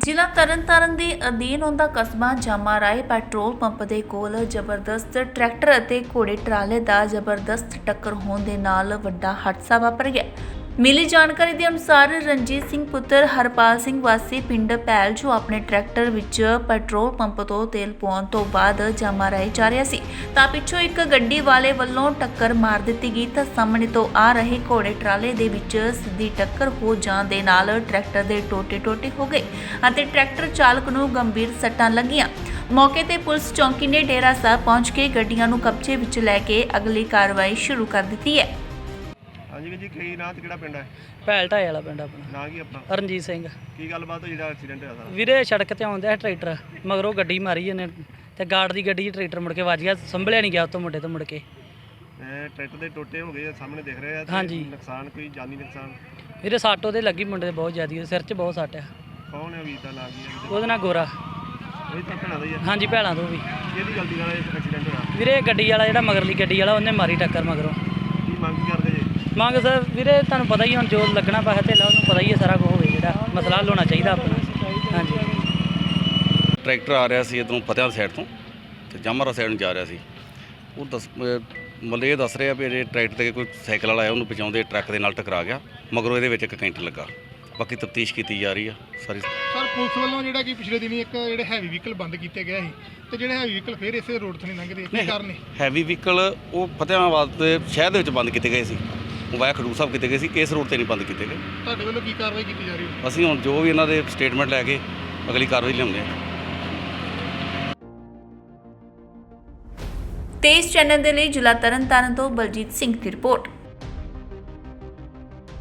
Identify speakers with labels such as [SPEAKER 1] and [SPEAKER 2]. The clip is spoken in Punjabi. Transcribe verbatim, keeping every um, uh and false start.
[SPEAKER 1] ਜ਼ਿਲ੍ਹਾ ਤਰਨਤਾਰਨ ਦੇ ਅਧੀਨ ਆਉਂਦਾ ਕਸਬਾ ਜਾਮਾ ਰਾਏ ਪੈਟਰੋਲ ਪੰਪ ਦੇ ਕੋਲ ਜ਼ਬਰਦਸਤ ਟਰੈਕਟਰ ਅਤੇ ਘੋੜੇ ਟਰਾਲੇ ਦਾ ਜ਼ਬਰਦਸਤ ਟੱਕਰ ਹੋਣ ਦੇ ਨਾਲ ਵੱਡਾ ਹਾਦਸਾ ਵਾਪਰ ਗਿਆ। ਮਿਲੀ ਜਾਣਕਾਰੀ ਦੇ ਅਨੁਸਾਰ ਰਣਜੀਤ ਸਿੰਘ ਪੁੱਤਰ ਹਰਪਾਲ ਸਿੰਘ ਵਾਸੀ ਪਿੰਡ ਪੈਲ ਜੋ ਆਪਣੇ ਟਰੈਕਟਰ ਵਿੱਚ ਪੈਟਰੋਲ ਪੰਪ ਤੋਂ ਤੇਲ ਪਾਉਣ ਤੋਂ ਬਾਅਦ ਜਾਮਾ ਰਾਏ ਜਾ ਰਿਹਾ ਸੀ ਤਾਂ ਪਿੱਛੋਂ ਇੱਕ ਗੱਡੀ ਵਾਲੇ ਵੱਲੋਂ ਟੱਕਰ ਮਾਰ ਦਿੱਤੀ ਗਈ ਤਾਂ ਸਾਹਮਣੇ ਤੋਂ ਆ ਰਹੇ ਘੋੜੇ ਟਰਾਲੇ ਦੇ ਵਿੱਚ ਸਿੱਧੀ ਟੱਕਰ ਹੋ ਜਾਣ ਦੇ ਨਾਲ ਟਰੈਕਟਰ ਦੇ ਟੋਟੇ-ਟੋਟੇ ਹੋ ਗਏ ਅਤੇ ਟਰੈਕਟਰ ਚਾਲਕ ਨੂੰ ਗੰਭੀਰ ਸੱਟਾਂ ਲੱਗੀਆਂ। ਮੌਕੇ ਤੇ ਪੁਲਿਸ ਚੌਂਕੀ ਨੇ ਡੇਰਾ ਸਾਹਿਬ ਪਹੁੰਚ ਕੇ ਗੱਡੀਆਂ ਨੂੰ ਕਬਜ਼ੇ ਵਿੱਚ ਲੈ ਕੇ ਅਗਲੀ ਕਾਰਵਾਈ ਸ਼ੁਰੂ ਕਰ ਦਿੱਤੀ ਹੈ।
[SPEAKER 2] ਹਾਂਜੀ ਵੀਰ ਜੀ ਕੀ ਨਾਂ ਤੇ ਕਿਹੜਾ ਪਿੰਡ ਹੈ?
[SPEAKER 3] ਭੈਲ ਢਾਏ ਵਾਲਾ ਪਿੰਡ ਆਪਣਾ।
[SPEAKER 2] ਨਾਂ ਕੀ ਆਪਣਾ?
[SPEAKER 3] ਰਣਜੀਤ ਸਿੰਘ।
[SPEAKER 2] ਕੀ ਗੱਲਬਾਤ ਹੋਈ ਜਿਹੜਾ ਐਕਸੀਡੈਂਟ ਹੋਇਆ ਸਾਰਾ?
[SPEAKER 3] ਵੀਰੇ ਸੜਕ ਤੇ ਆਉਂਦਾ ਟਰੈਕਟਰ ਮਗਰੋਂ ਗੱਡੀ ਮਾਰੀ ਇਹਨੇ ਤੇ ਗਾਰਡ ਦੀ ਗੱਡੀ 'ਚ ਟਰੈਕਟਰ ਮੁੜ ਕੇ ਵੱਜ ਗਿਆ, ਸੰਭਲਿਆ ਨਹੀਂ ਗਿਆ ਉਤੋਂ ਮੁੰਡੇ ਤੋਂ ਮੁੜ ਕੇ।
[SPEAKER 2] ਇਹ ਟਰੈਕਟਰ ਦੇ ਟੋਟੇ ਹੋ ਗਏ ਸਾਹਮਣੇ ਦਿਖ ਰਹੇ ਆ ਤੇ
[SPEAKER 3] ਹਾਂਜੀ।
[SPEAKER 2] ਨੁਕਸਾਨ ਕੋਈ ਜਾਨੀ ਨੁਕਸਾਨ?
[SPEAKER 3] ਵੀਰੇ ਸੱਟ ਉਹਦੇ ਲੱਗੀ ਮੁੰਡੇ ਦੇ ਬਹੁਤ ਜ਼ਿਆਦੀ, ਸਿਰ 'ਚ ਬਹੁਤ ਸੱਟ ਆ।
[SPEAKER 2] ਕੌਣ ਹੈ ਵੀਰ ਦਾ ਨਾਂ ਕੀ ਹੈ?
[SPEAKER 3] ਉਹਦੇ ਨਾਲ ਗੋਰਾ।
[SPEAKER 2] ਇਹ ਤਾਂ ਭੈਣਾਂ ਦਾ ਹੀ ਹੈ?
[SPEAKER 3] ਹਾਂਜੀ ਭੈਲਾਂ ਤੋਂ ਵੀ।
[SPEAKER 2] ਕਿਹਦੀ ਗਲਤੀ ਨਾਲ ਇਹ ਐਕਸੀਡੈਂਟ ਹੋਇਆ?
[SPEAKER 3] ਵੀਰੇ ਗੱਡੀ ਵਾਲਾ ਜਿਹੜਾ ਮਗਰਲੀ ਗੱਡੀ ਵਾਲਾ ਉਹਨੇ ਮਾਰੀ ਟੱਕਰ ਮਗਰੋਂ।
[SPEAKER 2] ਕੀ ਮੰਗ ਕੀ ਕਰਦੇ ਜੀ?
[SPEAKER 3] ਮੰਗ ਸਰ ਵੀਰੇ ਤੁਹਾਨੂੰ ਪਤਾ ਹੀ ਹੁਣ ਜੋ ਲੱਗਣਾ ਪੈਸਾ ਧੇਲਾ ਉਹਨੂੰ ਪਤਾ ਹੀ ਹੈ ਸਾਰਾ ਕੁਝ ਹੋਵੇ, ਜਿਹੜਾ ਮਸਲਾ ਹੱਲ ਹੋਣਾ ਚਾਹੀਦਾ ਆਪਣਾ। ਹਾਂਜੀ
[SPEAKER 4] ਟਰੈਕਟਰ ਆ ਰਿਹਾ ਸੀ ਇੱਧਰੋਂ ਫਤਿਆਂਵਾਲ ਸਾਈਡ ਤੋਂ ਤੇ ਜਾਮਰਾ ਸਾਈਡ ਨੂੰ ਜਾ ਰਿਹਾ ਸੀ। ਉਹ ਦੱਸ ਮਤਲਬ ਇਹ ਦੱਸ ਰਿਹਾ ਵੀ ਇਹ ਟਰੈਕਟਰ ਤੇ ਕੋਈ ਸਾਈਕਲ ਵਾਲਾ ਆਇਆ, ਉਹਨੂੰ ਪਹੁੰਚਾਉਂਦੇ ਟਰੱਕ ਦੇ ਨਾਲ ਟਕਰਾ ਗਿਆ, ਮਗਰੋਂ ਇਹਦੇ ਵਿੱਚ ਇੱਕ ਕੈਂਟਰ ਲੱਗਾ। ਬਾਕੀ ਤਫਤੀਸ਼ ਕੀਤੀ ਜਾ ਰਹੀ ਆ ਸਾਰੀ।
[SPEAKER 5] ਸਰ ਪੁਲਿਸ ਵੱਲੋਂ ਜਿਹੜਾ ਕਿ ਪਿਛਲੇ ਦਿਨੀ ਇੱਕ ਜਿਹੜੇ ਹੈਵੀ ਵਹੀਕਲ ਬੰਦ ਕੀਤੇ ਗਏ ਸੀ ਤੇ ਜਿਹੜੇ ਹੈਵੀ ਵਹੀਕਲ ਫਿਰ ਇਸੇ ਰੋਡ ਤੋਂ ਨਹੀਂ ਲੰਘਦੇ, ਕੀ ਕਾਰਨ ਹੈ?
[SPEAKER 4] ਹੈਵੀ ਵਹੀਕਲ ਉਹ ਫਤਿਆਵਾਲ ਦੇ ਸ਼ਹਿਰ ਦੇ ਵਿੱਚ ਬੰਦ ਕੀਤੇ ਗਏ ਸੀ, ਉਹ ਵਾਇਆ ਖਡੂਰ ਸਾਹਿਬ ਕੀਤੇ ਗਏ ਸੀ, ਇਸ ਰੋਡ ਤੇ ਨਹੀਂ ਬੰਦ ਕੀਤੇ ਗਏ।
[SPEAKER 5] ਤੁਹਾਡੇ ਵੱਲੋਂ ਕੀ ਕਾਰਵਾਈ ਕੀਤੀ ਜਾ ਰਹੀ ਹੈ?
[SPEAKER 4] ਅਸੀਂ ਹੁਣ ਜੋ ਵੀ ਇਹਨਾਂ ਦੇ ਸਟੇਟਮੈਂਟ ਲੈ ਕੇ ਅਗਲੀ ਕਾਰਵਾਈ ਲਿਆਉਂਦੇ ਹਾਂ।
[SPEAKER 1] ਤੇਜ਼ ਚੈਨਲ ਦੇ ਲਈ ਜ਼ਿਲ੍ਹਾ ਤਰਨਤਾਰਨ ਤੋਂ ਬਲਜੀਤ ਸਿੰਘ ਦੀ ਰਿਪੋਰਟ।